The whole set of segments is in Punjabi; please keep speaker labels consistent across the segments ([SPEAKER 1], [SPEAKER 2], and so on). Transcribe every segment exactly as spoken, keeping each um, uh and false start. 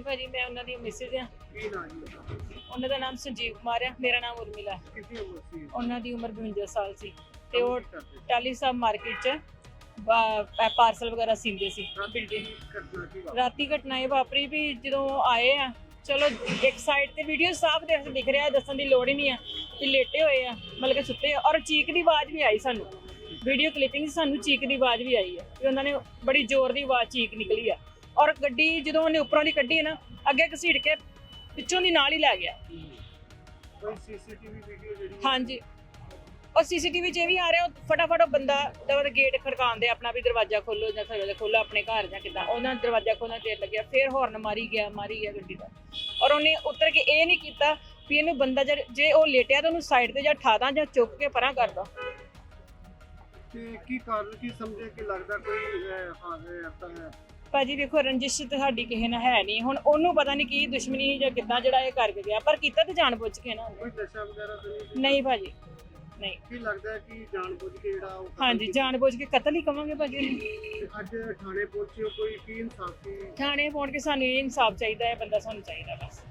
[SPEAKER 1] ਭਾਜੀ, ਮੈਂ ਉਹਨਾਂ ਦੀ ਮਿਸਿਸ ਆ।
[SPEAKER 2] ਕੀ ਨਾਮ ਜੀ ਉਹਦਾ?
[SPEAKER 1] ਉਹਨਾਂ ਦਾ ਨਾਮ ਸੰਜੀਵ ਕੁਮਾਰ ਆ, ਮੇਰਾ ਨਾਮ ਉਰਮਿਲਾ।
[SPEAKER 2] ਕਿੰਨੀ ਉਮਰ ਸੀ?
[SPEAKER 1] ਉਹਨਾਂ ਦੀ ਉਮਰ ਬਵੰਜਾ ਸਾਲ ਸੀ ਤੇ ਉਹ
[SPEAKER 2] ਕੀ ਕਰਦੇ ਸੀ?
[SPEAKER 1] ਟਾਲੀ ਸਾਹਿਬ ਮਾਰਕੀਟ 'ਚ ਪਾਰਸਲ ਵਗੈਰਾ ਸੀਂਦੇ ਸੀ।
[SPEAKER 2] ਰਾਤੀ ਕੀ ਘਟਨਾ ਕੀ ਵਾਪਰੀ?
[SPEAKER 1] ਰਾਤੀ ਘਟਨਾ ਇਹ ਵਾਪਰੀ ਵੀ ਜਦੋਂ ਆਏ ਆ, ਚਲੋ ਇੱਕ ਸਾਈਡ ਤੇ ਵੀਡੀਓ ਸਾਫ਼ ਦੇਖ ਦਿਖ ਰਿਹਾ, ਦੱਸਣ ਦੀ ਲੋੜ ਹੀ ਨਹੀਂ ਆ ਕਿ ਲੇਟੇ ਹੋਏ ਆ, ਮਤਲਬ ਕਿ ਸੁੱਤੇ ਆ। ਔਰ ਚੀਕ ਦੀ ਆਵਾਜ਼ ਵੀ ਆਈ ਸਾਨੂੰ, ਵੀਡੀਓ ਕਲਿੱਪਿੰਗ ਸਾਨੂੰ ਚੀਕ ਦੀ ਆਵਾਜ਼ ਵੀ ਆਈ ਹੈ ਕਿ ਉਹਨਾਂ ਨੇ ਬੜੀ ਜ਼ੋਰ ਦੀ ਆਵਾਜ਼ ਚੀਕ ਨਿਕਲੀ ਆ। ਔਰ ਗੱਡੀ ਜਦੋਂ ਉਹਨੇ ਉੱਪਰੋਂ ਦੀ ਕੱਢੀ ਨਾ, ਅੱਗੇ ਘਸੀਟ ਕੇ ਪਿੱਛੋਂ ਦੀ ਨਾਲ ਹੀ ਲੈ ਗਿਆ।
[SPEAKER 2] ਕੋਈ ਸੀਸੀਟੀਵੀ ਵੀਡੀਓ ਜਿਹੜੀ
[SPEAKER 1] ਹਾਂਜੀ, ਔਰ ਸੀਸੀਟੀਵੀ 'ਚ ਇਹ ਵੀ ਆ ਰਿਹਾ, ਉਹ ਫਟਾਫਟ ਉਹ ਬੰਦਾ ਦਵਾ ਗੇਟ ਖੜਕਾਉਂਦੇ ਆਪਣਾ ਵੀ ਦਰਵਾਜ਼ਾ ਖੋਲੋ ਜਾਂ ਦਰਵਾਜ਼ਾ ਖੋਲੋ ਆਪਣੇ ਘਰ ਜਾਂ ਕਿੱਦਾਂ, ਉਹਨਾਂ ਦਰਵਾਜ਼ਾ ਖੋਲ੍ਹਣ ਦੇਰ ਲੱਗਿਆ, ਫਿਰ ਹੌਰਨ ਮਾਰੀ ਗਿਆ ਮਾਰੀ ਗਿਆ ਗੱਡੀ ਦਾ। ਔਰ ਉਹਨੇ ਉੱਤਰ ਕੇ ਇਹ ਨਹੀਂ ਕੀਤਾ ਵੀ ਇਹਨੂੰ ਬੰਦਾ ਜੇ ਉਹ ਲੇਟਿਆ ਤਾਂ ਉਹਨੂੰ ਸਾਈਡ ਤੇ ਜਾਂ ਠਾਦਾ ਜਾਂ ਚੁੱਕ ਕੇ ਪਰਾਂ ਕਰਦਾ।
[SPEAKER 2] ਤੇ ਕੀ ਕਾਰਨ ਕੀ ਸਮਝੇ ਕਿ ਲੱਗਦਾ ਕੋਈ ਹਾਜ਼ਰ ਐਸਾ ਹੈ?
[SPEAKER 1] ਭਾਜੀ ਦੇਖੋ, ਰੰਜਿਸ਼ ਤੇ ਸਾਡੀ ਕਿਸੇ ਨਾਲ ਹੈ ਨਹੀਂ। ਹੁਣ ਉਹਨੂੰ ਪਤਾ ਨਹੀਂ ਕੀ ਦੁਸ਼ਮਣੀ ਜਾਂ ਕਿੱਦਾਂ ਜਿਹੜਾ ਇਹ ਕਰਕੇ ਗਿਆ, ਪਰ ਕੀਤਾ ਤੇ ਜਾਣ ਬੁੱਝ ਕੇ ਨਾ।
[SPEAKER 2] ਕੋਈ ਨਸ਼ਾ ਵਗੈਰਾ ਤਾਂ ਨਹੀਂ?
[SPEAKER 1] ਨਹੀਂ ਭਾਜੀ, ਨਹੀਂ।
[SPEAKER 2] ਕੀ ਲੱਗਦਾ ਹੈ ਕਿ ਜਾਣਬੁੱਝ ਕੇ ਜਿਹੜਾ ਉਹ ਕਤਲ
[SPEAKER 1] ਹਾਂਜੀ,
[SPEAKER 2] ਕੀਤਾ?
[SPEAKER 1] ਜਾਣ ਬੁੱਝ ਕੇ ਕਤਲ ਹੀ ਕਵਾਂਗੇ ਭਾਜੀ।
[SPEAKER 2] ਤੇ ਅੱਜ ਥਾਣੇ ਪਹੁੰਚੇ ਹੋ, ਕੋਈ ਕੀ ਇਨਸਾਫ ਸੀ?
[SPEAKER 1] ਥਾਣੇ ਪਹੁੰਚ ਕੇ ਸਾਨੂੰ ਇਹ ਇਨਸਾਫ ਚਾਹੀਦਾ ਹੈ, ਬੰਦਾ ਸਾਨੂੰ ਚਾਹੀਦਾ ਬਸ।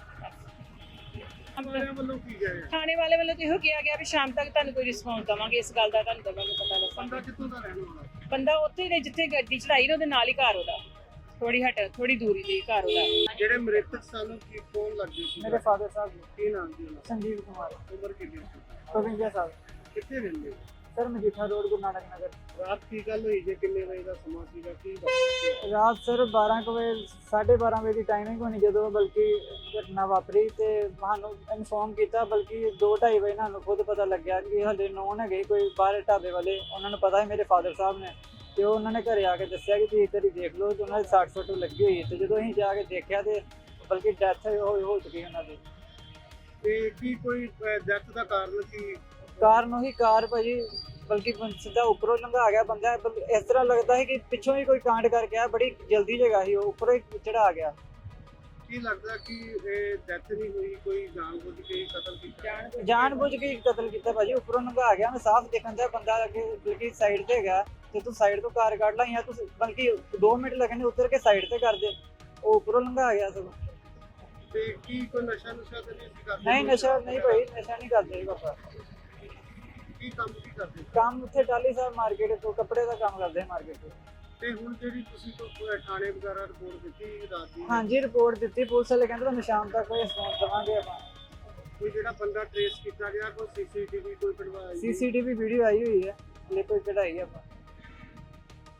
[SPEAKER 2] ਥਾਣੇ ਵੱਲੋਂ ਕੀ ਗਿਆ ਹੈ?
[SPEAKER 1] ਥਾਣੇ ਵਾਲੇ ਵੱਲੋਂ ਤਾਂ ਇਹੋ ਕਿਹਾ ਗਿਆ ਵੀ ਸ਼ਾਮ ਤੱਕ ਤੁਹਾਨੂੰ ਕੋਈ ਰਿਸਪੌਂਸ ਦਵਾਂਗੇ, ਇਸ ਗੱਲ ਦਾ ਤੁਹਾਨੂੰ ਦਵਾਂਗੇ ਪਤਾ
[SPEAKER 2] ਬੰਦਾ
[SPEAKER 1] ਦੱਸਾਂਗੇ।
[SPEAKER 2] ਕਿੱਥੋਂ ਦਾ ਰਹਿਣ ਵਾਲਾ?
[SPEAKER 1] ਬੰਦਾ ਉੱਥੇ ਹੀ ਜਿੱਥੇ ਗੱਡੀ ਚੜਾਈ ਨਾ ਉਹਦੇ ਨਾਲ ਹੀ ਘਰ ਉਹਦਾ, ਥੋੜੀ ਹਟ ਥੋੜੀ ਦੂਰੀ ਤੇ ਘਰ ਉਹਦਾ।
[SPEAKER 2] ਜਿਹੜੇ ਮ੍ਰਿਤਕ ਸਾਨੂੰ ਕੀ ਫੋਨ ਲੱਗੇ ਸੀ?
[SPEAKER 3] ਮੇਰੇ ਫਾਦਰ ਸਾਹਿਬ ਜੀ,
[SPEAKER 2] ਕੀ ਨਾਮ ਸੀ ਉਹਨਾਂ
[SPEAKER 3] ਸੰਜੀਵ ਕੁਮਾਰ,
[SPEAKER 2] ਦਾ? ਉਮਰ ਕਿੰਨੀ ਸੀ?
[SPEAKER 3] ਬਵੰਜਾ ਸਾਲ।
[SPEAKER 2] ਕਿੱਥੇ ਰਹਿੰਦੇ?
[SPEAKER 3] Sir Majitha road, Guru Nanak Nagar.
[SPEAKER 2] ਰਾਤ ਕੀ ਗੱਲ ਹੋਈ ਜੇ? ਕਿੰਨੇ ਵਜੇ ਦਾ ਸਮਾਂ ਸੀਗਾ? ਕੀ ਵਾਪਰਿਆ?
[SPEAKER 3] ਰਾਤ ਸਰ ਬਾਰਾਂ ਕੁ ਵਜੇ, ਸਾਢੇ ਬਾਰਾਂ ਵਜੇ ਦੀ ਟਾਈਮਿੰਗ ਹੋਣੀ ਜਦੋਂ ਬਲਕਿ ਘਟਨਾ ਵਾਪਰੀ, ਤੇ ਸਾਨੂੰ ਇਨਫੋਰਮ ਕੀਤਾ। ਬਲਕਿ ਦੋ ਢਾਈ ਵਜੇ ਸਾਨੂੰ ਖੁਦ ਪਤਾ ਲੱਗਿਆ ਕਿ ਹਲੇ ਨੌਨ ਹੈਗੇ ਕੋਈ ਬਾਹਰ ਢਾਬੇ ਵਾਲੇ, ਉਹਨਾਂ ਨੂੰ ਪਤਾ ਹੈ ਮੇਰੇ ਫਾਦਰ ਸਾਹਿਬ ਨੇ, ਤੇ ਉਹ ਉਹਨਾਂ ਨੇ ਘਰੇ ਆ ਕੇ ਦੱਸਿਆ ਕਿ ਤੁਸੀਂ ਇੱਧਰ ਹੀ ਦੇਖ ਲਓ, ਤੇ ਉਹਨਾਂ ਦੀ ਸੱਟ ਸੁੱਟ ਲੱਗੀ ਹੋਈ। ਤੇ ਜਦੋਂ ਅਸੀਂ ਜਾ ਕੇ ਦੇਖਿਆ ਤੇ ਬਲਕਿ ਡੈਥ ਹੋ ਹੋ ਚੁੱਕੀ ਉਹਨਾਂ ਦੀ।
[SPEAKER 2] ਤੇ ਕੀ ਕੋਈ ਡੈਥ ਦਾ ਕਾਰਨ ਕੀ?
[SPEAKER 3] ਕਾਰਨ ਉਹੀ ਕਾਰ ਭਾਜੀ, ਬਲਕਿ ਸਿੱਧਾ ਉੱਪਰੋਂ ਲੰਘਾ ਗਿਆ ਬੰਦਾ। ਇਸ ਤਰ੍ਹਾਂ ਲੱਗਦਾ ਹੈ ਕਿ ਪਿੱਛੋਂ ਹੀ ਕੋਈ ਕਾਂਡ ਕਰਕੇ ਆ, ਬੜੀ ਜਲਦੀ ਜਗ੍ਹਾ ਸੀ, ਉਹ ਉੱਪਰੋਂ ਹੀ ਚੜਾ ਗਿਆ।
[SPEAKER 2] ਕੀ ਲੱਗਦਾ ਕਿ ਇਹ ਡੈਥ ਨਹੀਂ ਹੋਈ, ਕੋਈ ਜਾਣਬੁੱਝ ਕੇ ਕਤਲ ਕੀਤਾ?
[SPEAKER 3] ਜਾਣ ਬੁੱਝ ਕੇ ਕਤਲ ਕੀਤਾ ਭਾਜੀ, ਉੱਪਰੋਂ ਲੰਘਾ ਗਿਆ। ਮੈਂ ਸਾਫ਼ ਦੇਖਣ ਦਾ ਬੰਦਾ ਅੱਗੇ ਬਲਕਿ ਸਾਈਡ ਤੇ ਹੈਗਾ, ਤੇ ਤੂੰ ਸਾਈਡ ਤੋਂ ਕਾਰ ਕੱਢ ਲਾ, ਜਾਂ ਤੂੰ ਬਲਕਿ ਦੋ ਮਿੰਟ ਲੱਗਣੇ ਉਤਰ ਕੇ ਸਾਈਡ ਤੇ ਕਰ ਦੇ, ਉਹ ਉੱਪਰੋਂ ਲੰਘਾ ਗਿਆ ਸਗੋਂ।
[SPEAKER 2] ਤੇ ਕੀ ਕੋਈ ਨਸ਼ਾ ਨੁਸ਼ਾ ਤਾਂ ਨਹੀਂ ਸੀ ਕਰਦੇ?
[SPEAKER 3] ਨਹੀਂ ਨਸ਼ਾ ਨਹੀਂ ਭਾਈ, ਨਸ਼ਾ ਨਹੀਂ ਕਰਦੇ ਪਾਪਾ।
[SPEAKER 2] ਕੀ ਕੰਮ ਕੀ ਕਰਦੇ?
[SPEAKER 3] ਕੰਮ ਉੱਥੇ ਟਾਲੀ ਸਾਹਿਬ ਮਾਰਕੀਟ ਤੋਂ ਕੱਪੜੇ ਦਾ ਕੰਮ ਕਰਦੇ ਮਾਰਕੀਟ ਤੋਂ।
[SPEAKER 2] ਤੇ ਹੁਣ ਜਿਹੜੀ ਤੁਸੀਂ ਕੋਈ ਥਾਣੇ ਵਗੈਰਾ ਰਿਪੋਰਟ ਦਿੱਤੀ ਰਾਤ ਦੀ?
[SPEAKER 3] ਹਾਂਜੀ, ਰਿਪੋਰਟ ਦਿੱਤੀ, ਪੁਲਿਸ ਵਾਲੇ ਕਹਿੰਦੇ ਤੁਹਾਨੂੰ ਸ਼ਾਮ ਤੱਕ ਕੋਈ ਰਿਸਪੌਂਸ ਦੇਵਾਂਗੇ ਆਪਾਂ।
[SPEAKER 2] ਕੋਈ ਜਿਹੜਾ ਬੰਦਾ ਟ੍ਰੇਸ ਕੀਤਾ ਗਿਆ, ਕੋਈ ਸੀਸੀਟੀਵੀ ਕੋਈ ਕਢਵਾਇਆ?
[SPEAKER 3] ਸੀਸੀਟੀਵੀ ਵੀਡੀਓ ਆਈ ਹੋਈ ਹੈ, ਹਲੇ ਕੋਈ ਕਢਾਈ ਆਪਾਂ।